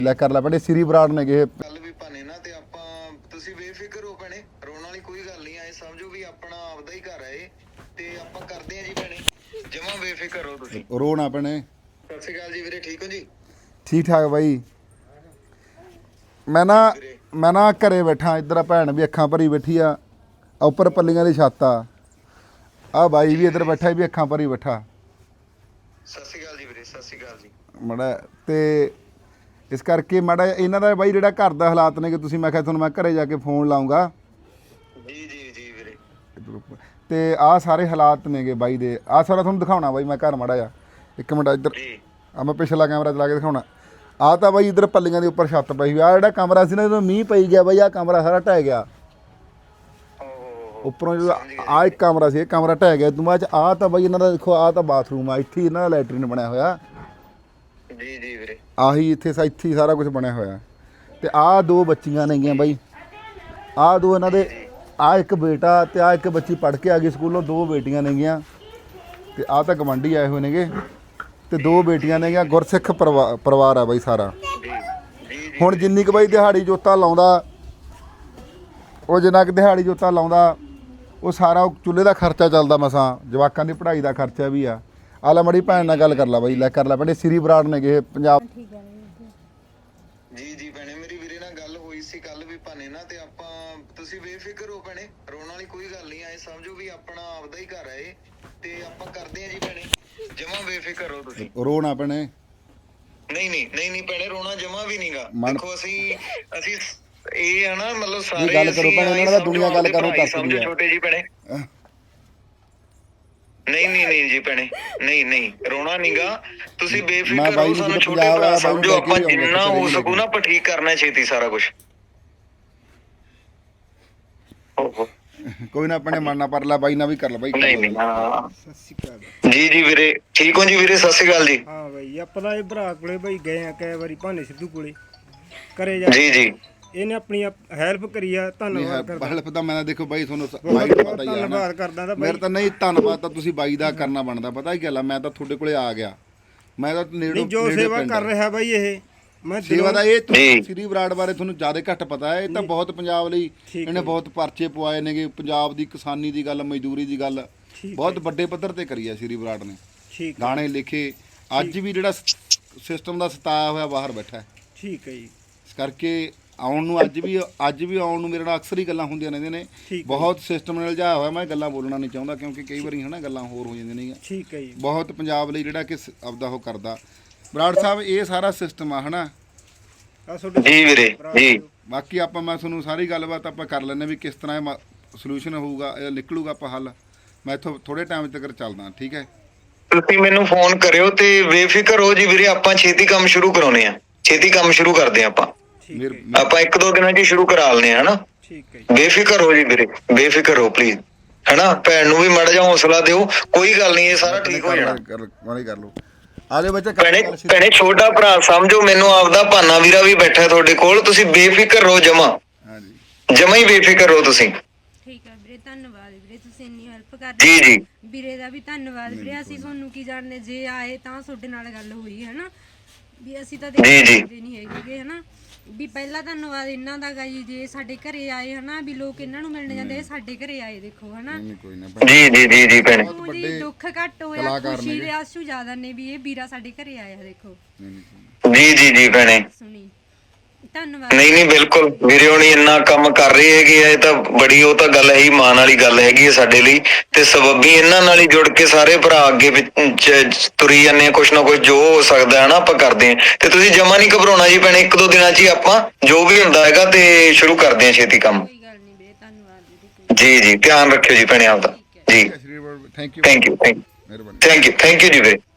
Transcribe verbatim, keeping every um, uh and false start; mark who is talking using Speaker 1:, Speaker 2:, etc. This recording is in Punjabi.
Speaker 1: ਲੈ ਕਰ ਲੈ ਭੈਣੇ ਸ੍ਰੀ ਬਰਾੜ ਨੇ ਗਏ
Speaker 2: ਕੱਲ ਵੀ ਭਾਨੇ ਨਾ ਤੇ ਆਪਾਂ ਤੁਸੀਂ ਬੇਫਿਕਰ ਹੋ ਭੈਣੇ, ਰੋਣ ਵਾਲੀ ਕੋਈ ਗੱਲ ਨਹੀਂ। ਐ ਸਮਝੋ ਵੀ ਆਪਣਾ ਆਪਦਾ ਹੀ ਘਰ ਹੈ ਇਹ, ਤੇ ਆਪਾਂ ਕਰਦੇ ਆ ਜੀ ਭੈਣੇ, ਜਮਾਂ ਬੇਫਿਕਰ ਹੋ ਤੁਸੀਂ।
Speaker 1: ਰੋਣਾ ਭੈਣੇ।
Speaker 2: ਸਤਿ ਸ਼੍ਰੀ ਅਕਾਲ ਜੀ ਵੀਰੇ, ਠੀਕ ਹੋ ਜੀ?
Speaker 1: ਠੀਕ ਠਾਕ ਬਾਈ। ਮੈਂ ਨਾ ਮੈਂ ਨਾ ਘਰੇ ਬੈਠਾ, ਇੱਧਰ ਭੈਣ ਵੀ ਅੱਖਾਂ ਭਰੀ ਬੈਠੀ ਆ, ਉੱਪਰ ਪੱਲੀਆਂ ਦੀ ਛੱਤ ਆ, ਆ ਬਾਈ ਵੀ ਇੱਧਰ ਬੈਠਾ ਵੀ ਅੱਖਾਂ ਭਰੀ ਬੈਠਾ।
Speaker 2: ਸਤਿ ਸ਼੍ਰੀ ਅਕਾਲ ਜੀ ਵੀਰੇ, ਸਤਿ ਸ਼੍ਰੀ ਅਕਾਲ ਜੀ।
Speaker 1: ਮਾੜਾ ਤੇ ਇਸ ਕਰਕੇ ਮਾੜਾ ਇਹਨਾਂ ਦਾ ਬਾਈ ਜਿਹੜਾ ਘਰ ਦਾ ਹਾਲਾਤ ਨੇ ਕਿ ਤੁਸੀਂ, ਮੈਂ ਕਿਹਾ ਤੁਹਾਨੂੰ ਮੈਂ ਘਰੇ ਜਾ ਕੇ ਫੋਨ ਲਾਉਂਗਾ
Speaker 2: ਜੀ ਜੀ ਜੀ ਵੀਰੇ।
Speaker 1: ਤੇ ਆਹ ਸਾਰੇ ਹਾਲਾਤ ਨੇਗੇ ਬਾਈ ਦੇ। ਆਹ ਸਾਰਾ ਤੁਹਾਨੂੰ ਦਿਖਾਉਣਾ ਬਾਈ ਮੈਂ ਘਰ ਮਾੜਾ ਜਾ ਇੱਕ ਮਿੰਟ ਇੱਧਰ ਆ, ਮੈਂ ਪਿਛਲਾ ਕੈਮਰਾ ਚਲਾ ਕੇ ਦਿਖਾਉਣਾ। ਆਹ ਤਾਂ ਬਾਈ ਇੱਧਰ ਪੱਲੀਆਂ ਦੇ ਉੱਪਰ ਛੱਤ ਪਈ ਹੋਈ ਆ, ਜਿਹੜਾ ਕਮਰਾ ਸੀ ਨਾ ਜਦੋਂ ਮੀਂਹ ਪਈ ਗਿਆ ਬਾਈ, ਆਹ ਕਮਰਾ ਸਾਰਾ ਢਹਿ ਗਿਆ ਉੱਪਰੋਂ। ਜਦੋਂ ਆਹ ਇੱਕ ਕਮਰਾ ਸੀ, ਇਹ ਕਮਰਾ ਢਹਿ ਗਿਆ। ਤੂੰ ਬਾਅਦ ਚ ਆਹ ਤਾਂ ਬਾਈ ਇਹਨਾਂ ਦਾ ਦੇਖੋ, ਆਹ ਤਾਂ ਬਾਥਰੂਮ ਆ, ਇੱਥੇ ਇਹਨਾਂ ਦਾ ਲੈਟਰੀਨ ਬਣਿਆ ਹੋਇਆ
Speaker 2: ਜੀ ਜੀ ਵੀਰੇ।
Speaker 1: ਆਹੀ ਇੱਥੇ ਸਾ ਇੱਥੇ ਸਾਰਾ ਕੁਝ ਬਣਿਆ ਹੋਇਆ। ਤੇ ਆਹ ਦੋ ਬੱਚੀਆਂ ਨੇਗੀਆਂ ਬਾਈ, ਆਹ ਦੋ ਇਹਨਾਂ ਦੇ, ਆਹ ਇੱਕ ਬੇਟਾ ਤੇ ਆਹ ਇੱਕ ਬੱਚੀ ਪੜ੍ਹ ਕੇ ਆ ਗਈ ਸਕੂਲੋਂ, ਦੋ ਬੇਟੀਆਂ ਨੇਗੀਆਂ। ਤੇ ਆਹ ਤਾਂ ਗਵਾਂਢੀ ਆਏ ਹੋਏ ਨੇਗੇ, ਤੇ ਦੋ ਬੇਟੀਆਂ ਨੇਗੀਆਂ। ਗੁਰਸਿੱਖ ਪਰਿਵਾ ਪਰਿਵਾਰ ਆ ਬਾਈ ਸਾਰਾ। ਹੁਣ ਜਿੰਨੀ ਕੁ ਬਾਈ ਦਿਹਾੜੀ ਜੋਤਾ ਲਾਉਂਦਾ, ਉਹ ਜਿੰਨਾ ਕੁ ਦਿਹਾੜੀ ਜੋਤਾ ਲਾਉਂਦਾ ਉਹ ਸਾਰਾ ਚੁੱਲ੍ਹੇ ਦਾ ਖਰਚਾ ਚੱਲਦਾ, ਮਸਾਂ ਜਵਾਕਾਂ ਦੀ ਪੜ੍ਹਾਈ ਦਾ ਖਰਚਾ ਵੀ ਆ। ਆ ਲੈ ਮੜੀ ਭੈਣ ਨਾਲ ਗੱਲ ਕਰ ਲਾ ਬਾਈ, ਲੈ ਕਰ ਲੈ ਭੈਣੇ ਸ੍ਰੀ ਬਰਾੜ ਨੇ ਗਏ ਪੰਜਾਬ।
Speaker 2: ਜੀ ਜੀ ਭੈਣੇ, ਮੇਰੀ ਵੀਰੇ ਨਾਲ ਗੱਲ ਹੋਈ ਸੀ ਕੱਲ ਵੀ ਭਾਨੇ ਨਾ, ਤੇ ਆਪਾਂ ਤੁਸੀਂ ਬੇਫਿਕਰ ਹੋ ਭੈਣੇ, ਰੋਣ ਵਾਲੀ ਕੋਈ ਗੱਲ ਨਹੀਂ। ਐ ਸਮਝੋ ਵੀ ਆਪਣਾ ਆਪਦਾ ਹੀ ਘਰ ਹੈ ਇਹ, ਤੇ ਆਪਾਂ ਕਰਦੇ ਆ ਜੀ ਭੈਣੇ, ਜਮਾਂ ਬੇਫਿਕਰ ਹੋ ਤੁਸੀਂ।
Speaker 1: ਰੋਣਾ ਭੈਣੇ।
Speaker 2: ਨਹੀਂ ਨਹੀਂ ਨਹੀਂ ਨਹੀਂ ਭੈਣੇ, ਰੋਣਾ ਜਮਾਂ ਵੀ ਨਹੀਂਗਾ। ਦੇਖੋ ਅਸੀਂ ਅਸੀਂ ਇਹ ਹੈ ਨਾ, ਮਤਲਬ ਸਾਰੇ
Speaker 1: ਗੱਲ ਕਰੋ ਭੈਣੇ, ਇਹਨਾਂ ਦਾ ਦੁਨੀਆ ਗੱਲ ਕਰੋ ਕਰ
Speaker 2: ਸਮਝੋ ਛੋਟੇ ਜੀ ਭੈਣੇ। ਨਹੀਂ ਨਹੀਂ ਨਹੀਂ ਜੀ ਭੈਣੇ, ਨਹੀਂ ਨਹੀਂ ਰੋਣਾ ਨਹੀਂਗਾ, ਤੁਸੀਂ ਬੇਫਿਕਰ ਹੋ, ਸਾਨੂੰ ਛੋਟੇ ਭਰਾ ਸਮਝੋ। ਆਪਾਂ ਜਿੰਨਾ ਹੋ ਸਕੂ ਨਾ ਆਪਾਂ ਠੀਕ ਕਰਨਾ ਛੇਤੀ ਸਾਰਾ ਕੁਝ।
Speaker 1: ਕੋਈ ਨਾ ਆਪਣੇ ਮਨ ਨਾ ਪਰ ਲੈ ਬਾਈ, ਨਾ ਵੀ ਕਰ ਲੈ ਬਾਈ।
Speaker 2: ਨਹੀਂ ਨਹੀਂ ਹਾਂ ਸਤਿ ਸ਼੍ਰੀ ਅਕਾਲ ਜੀ ਜੀ ਵੀਰੇ, ਠੀਕ ਹੋ ਜੀ ਵੀਰੇ? ਸਤਿ ਸ਼੍ਰੀ ਅਕਾਲ ਜੀ।
Speaker 3: ਹਾਂ ਬਾਈ, ਆਪਾਂ ਤਾਂ ਇਹ ਭਰਾ ਕੋਲੇ ਬਾਈ ਗਏ ਆ ਕਈ ਵਾਰੀ, ਭਾਨੇ ਸਿੱਧੂ ਕੋਲੇ ਕਰੇ ਜਾ।
Speaker 2: ਜੀ ਜੀ,
Speaker 3: ਇਹਨੇ ਆਪਣੀ ਹੈਲਪ ਕਰੀ ਆ, ਧੰਨਵਾਦ ਕਰਦਾ।
Speaker 1: ਹੈਲਪ ਤਾਂ ਮੈਂ ਦੇਖੋ ਬਾਈ, ਤੁਹਾਨੂੰ ਬਾਈ ਦਾ ਪਤਾ ਹੀ ਆ।
Speaker 3: ਧੰਨਵਾਦ ਕਰਦਾ ਤਾਂ
Speaker 1: ਮੇਰੇ ਤਾਂ ਨਹੀਂ, ਧੰਨਵਾਦ ਤਾਂ ਤੁਸੀਂ ਬਾਈ ਦਾ ਕਰਨਾ ਬਣਦਾ। ਪਤਾ ਕੀ ਗੱਲ ਆ, ਮੈਂ ਤਾਂ ਤੁਹਾਡੇ ਕੋਲੇ ਆ ਗਿਆ, ਮੈਂ ਤਾਂ ਨੇੜੇ
Speaker 3: ਜੋ ਸੇਵਾ ਕਰ ਰਿਹਾ ਬਾਈ ਇਹ, ਮੈਂ
Speaker 1: ਸੇਵਾ ਦਾ ਇਹ ਸ੍ਰੀ ਬਰਾੜ ਬਾਰੇ ਤੁਹਾਨੂੰ ਜ਼ਿਆਦਾ ਘੱਟ ਪਤਾ ਹੈ। ਇਹ ਤਾਂ ਬਹੁਤ ਪੰਜਾਬ ਲਈ ਇਹਨੇ ਬਹੁਤ ਪਰਚੇ ਪਵਾਏ ਨੇਗੇ, ਪੰਜਾਬ ਦੀ ਕਿਸਾਨੀ ਦੀ ਗੱਲ, ਮਜ਼ਦੂਰੀ ਦੀ ਗੱਲ ਬਹੁਤ ਵੱਡੇ ਪੱਧਰ ਤੇ ਕਰੀ ਆ ਸ੍ਰੀ ਬਰਾੜ ਨੇ। ਗਾਣੇ ਲਿਖੇ, ਅੱਜ ਵੀ ਜਿਹੜਾ ਸਿਸਟਮ ਦਾ ਸਤਾਇਆ ਹੋਇਆ ਬਾਹਰ ਬੈਠਾ।
Speaker 3: ਠੀਕ ਹੈ ਜੀ।
Speaker 1: ਇਸ ਕਰਕੇ ਆਉਣ ਨੂੰ ਅੱਜ ਵੀ ਅੱਜ ਵੀ ਆਉਣ ਨੂੰ ਮੇਰੇ ਨਾਲ ਅਕਸਰ ਹੀ ਗੱਲਾਂ ਹੁੰਦੀਆਂ ਰਹਿੰਦੀਆਂ ਨੇ। ਬਹੁਤ ਸਿਸਟਮ ਨਾਲ ਜਾ ਹੋਇਆ, ਮੈਂ ਗੱਲਾਂ ਬੋਲਣਾ ਨਹੀਂ ਚਾਹੁੰਦਾ ਕਿਉਂਕਿ ਕਈ ਵਾਰੀ ਹਨਾ ਗੱਲਾਂ ਹੋਰ ਹੋ ਜਾਂਦੀਆਂ ਨੇ।
Speaker 3: ਠੀਕ ਹੈ ਜੀ।
Speaker 1: ਬਹੁਤ ਪੰਜਾਬ ਲਈ ਜਿਹੜਾ ਕਿ ਆਪਦਾ ਉਹ ਕਰਦਾ ਬਰਾੜ ਸਾਹਿਬ, ਇਹ ਸਾਰਾ ਸਿਸਟਮ ਆ ਹਨਾ
Speaker 2: ਜੀ ਵੀਰੇ ਜੀ।
Speaker 1: ਬਾਕੀ ਆਪਾਂ ਮੈਂ ਤੁਹਾਨੂੰ ਸਾਰੀ ਗੱਲਬਾਤ ਆਪਾਂ ਕਰ ਲੈਂਦੇ ਵੀ ਕਿਸ ਤਰ੍ਹਾਂ ਇਹ ਸੋਲੂਸ਼ਨ ਹੋਊਗਾ, ਇਹ ਨਿਕਲੂਗਾ ਆਪਾਂ ਹੱਲ। ਮੈਂ ਇੱਥੋਂ ਥੋੜੇ ਟਾਈਮ ਤੱਕ ਚੱਲਦਾ, ਠੀਕ ਹੈ?
Speaker 2: ਤੁਸੀਂ ਮੈਨੂੰ ਫੋਨ ਕਰਿਓ ਤੇ ਬੇਫਿਕਰ ਹੋ ਜੀ ਵੀਰੇ, ਆਪਾਂ ਛੇਤੀ ਕੰਮ ਸ਼ੁਰੂ ਕਰਾਉਣੇ ਆ, ਛੇਤੀ ਕੰਮ ਸ਼ੁਰੂ ਕਰਦੇ ਆ ਆਪਾਂ। ਆਪਾਂ ਇੱਕ ਦੋ ਦਿਨਾਂ 'ਚ ਸ਼ੁਰੂ ਕਰਾ ਲੈਣੇ ਆ ਹਨਾ।
Speaker 3: ਠੀਕ ਹੈ,
Speaker 2: ਬੇਫਿਕਰ ਹੋ ਜੀ ਵੀਰੇ, ਬੇਫਿਕਰ ਹੋ ਪਲੀਜ਼ ਹਨਾ। ਭੈਣ ਨੂੰ ਵੀ ਮਾੜਾ ਜਿਹਾ ਹੌਸਲਾ ਦਿਓ, ਕੋਈ ਗੱਲ ਨਹੀਂ, ਇਹ ਸਾਰਾ ਠੀਕ ਹੋ ਜਾਣਾ।
Speaker 1: ਕਰ ਲਓ ਆਲੇ ਬੱਚਾ।
Speaker 2: ਭੈਣੇ ਭੈਣੇ ਛੋਟਾ ਭਰਾ ਸਮਝੋ ਮੈਨੂੰ, ਆਪਦਾ ਭਾਨਾ ਵੀਰਾ ਵੀ ਬੈਠਾ ਤੁਹਾਡੇ ਕੋਲ, ਤੁਸੀਂ ਬੇਫਿਕਰ ਰਹੋ ਜਮਾ। ਹਾਂਜੀ ਜਮਾ ਹੀ ਬੇਫਿਕਰ ਹੋ ਤੁਸੀਂ।
Speaker 4: ਠੀਕ ਹੈ ਵੀਰੇ, ਧੰਨਵਾਦ ਵੀਰੇ, ਤੁਸੀਂ ਇੰਨੀ ਹੈਲਪ ਕਰ
Speaker 2: ਜੀ ਜੀ।
Speaker 4: ਵੀਰੇ ਦਾ ਵੀ ਧੰਨਵਾਦ ਵੀਰੇ। ਅਸੀਂ ਤੁਹਾਨੂੰ ਕੀ ਜਾਣਦੇ, ਜੇ ਆਏ ਤਾਂ ਤੁਹਾਡੇ ਨਾਲ ਗੱਲ ਹੋਈ ਹੈ ਨਾ, ਵੀ ਅਸੀਂ ਤਾਂ ਦੇਖਦੇ ਨਹੀਂ ਹੈਗੇ ਹਨਾ। ਵੀ ਪਹਿਲਾਂ ਧੰਨਵਾਦ ਇਹਨਾਂ ਦਾ ਗਾ ਜੀ, ਜੇ ਸਾਡੇ ਘਰੇ ਆਏ ਹਨਾ, ਵੀ ਲੋਕ ਇਹਨਾਂ ਨੂੰ ਮਿਲਣ ਜਾਂਦੇ, ਸਾਡੇ ਘਰੇ ਆਏ ਦੇਖੋ ਹਨਾ।
Speaker 2: ਜੀ ਜੀ ਜੀ ਜੀ ਭੈਣੇ,
Speaker 4: ਜੀ ਦੁੱਖ ਘੱਟ ਹੋਇਆ, ਖੁਸ਼ੀ ਦੇ ਆਸੂ ਜ਼ਿਆਦਾ ਨੇ ਵੀ ਇਹ ਵੀਰਾ ਸਾਡੇ ਘਰੇ ਆਇਆ ਦੇਖੋ।
Speaker 2: ਜੀ ਜੀ ਜੀ ਭੈਣੇ,
Speaker 4: ਸੁਣੀ ਧੰਨਵਾਦ।
Speaker 2: ਨਹੀਂ ਨਹੀਂ ਬਿਲਕੁਲ ਵੀਰੇ, ਹੁਣੀ ਇੰਨਾ ਕੰਮ ਕਰ ਰਹੇ ਹੈਗੇ ਆ, ਇਹ ਤਾਂ ਬੜੀ ਉਹ ਤਾਂ ਗੱਲ ਹੈ ਹੀ, ਮਾਣ ਵਾਲੀ ਗੱਲ ਹੈਗੀ ਹੈ ਸਾਡੇ ਲਈ। ਤੇ ਸਬੱਬੀ ਇਹਨਾਂ ਨਾਲ ਹੀ ਜੁੜ ਕੇ ਸਾਰੇ ਭਰਾ ਅੱਗੇ ਤੁਰੀ ਜਾਂਦੇ ਆ, ਕੁਛ ਨਾ ਕੁਛ ਜੋ ਹੋ ਸਕਦਾ ਹੈ ਨਾ ਆਪਾਂ ਕਰਦੇ ਹਾਂ। ਤੇ ਤੁਸੀਂ ਜਮਾ ਨਹੀਂ ਘਬਰਾਉਣਾ ਜੀ ਭੈਣੇ, ਇੱਕ ਦੋ ਦਿਨਾਂ 'ਚ ਹੀ ਆਪਾਂ ਜੋ ਵੀ ਹੁੰਦਾ ਹੈਗਾ ਤੇ ਸ਼ੁਰੂ ਕਰਦੇ ਹਾਂ ਛੇਤੀ ਕੰਮ। ਜੀ ਜੀ, ਧਿਆਨ ਰੱਖਿਓ ਜੀ ਭੈਣੇ ਆਪਦਾ। ਜੀ thank you thank you thank you thank you ਜੀ ਵੀਰੇ।